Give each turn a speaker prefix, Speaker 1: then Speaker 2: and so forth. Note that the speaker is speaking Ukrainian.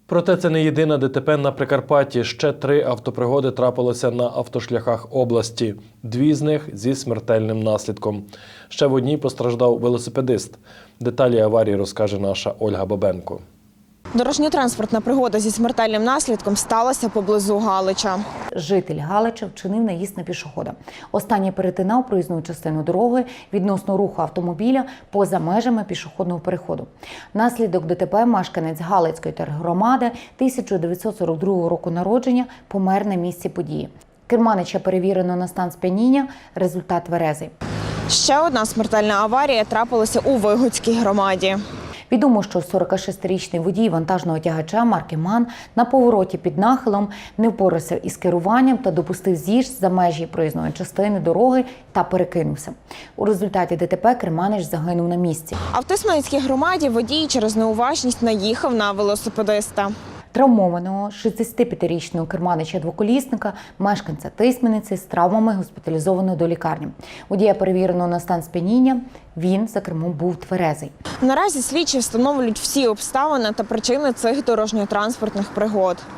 Speaker 1: Проте це не єдине ДТП на Прикарпатті. Ще 3 автопригоди трапилося на автошляхах області. 2 з них зі смертельним наслідком. Ще в одній постраждав велосипедист. Деталі аварії розкаже наша Ольга Бабенко.
Speaker 2: Дорожньо-транспортна пригода зі смертельним наслідком сталася поблизу Галича.
Speaker 3: Житель Галича вчинив наїзд на пішохода. Останній перетинав проїзну частину дороги відносно руху автомобіля поза межами пішохідного переходу. Внаслідок ДТП мешканець Галицької тергромади 1942 року народження помер на місці події. Керманича перевірено на стан сп'яніння, результат тверезий.
Speaker 2: Ще одна смертельна аварія трапилася у Вигодській громаді.
Speaker 3: Відомо, що 46-річний водій вантажного тягача марки МАН на повороті під нахилом не впорався із керуванням та допустив з'їзд за межі проїзної частини дороги та перекинувся. У результаті ДТП керманич загинув на місці.
Speaker 2: А в Тисменецькій громаді водій через неуважність наїхав на велосипедиста.
Speaker 3: Травмованого 65-річного керманича-двоколісника, мешканця Тисмениці, з травмами госпіталізовано до лікарні. Водія перевірено на стан сп'яніння, він за кермом був тверезий.
Speaker 2: Наразі слідчі встановлюють всі обставини та причини цих дорожньо-транспортних пригод.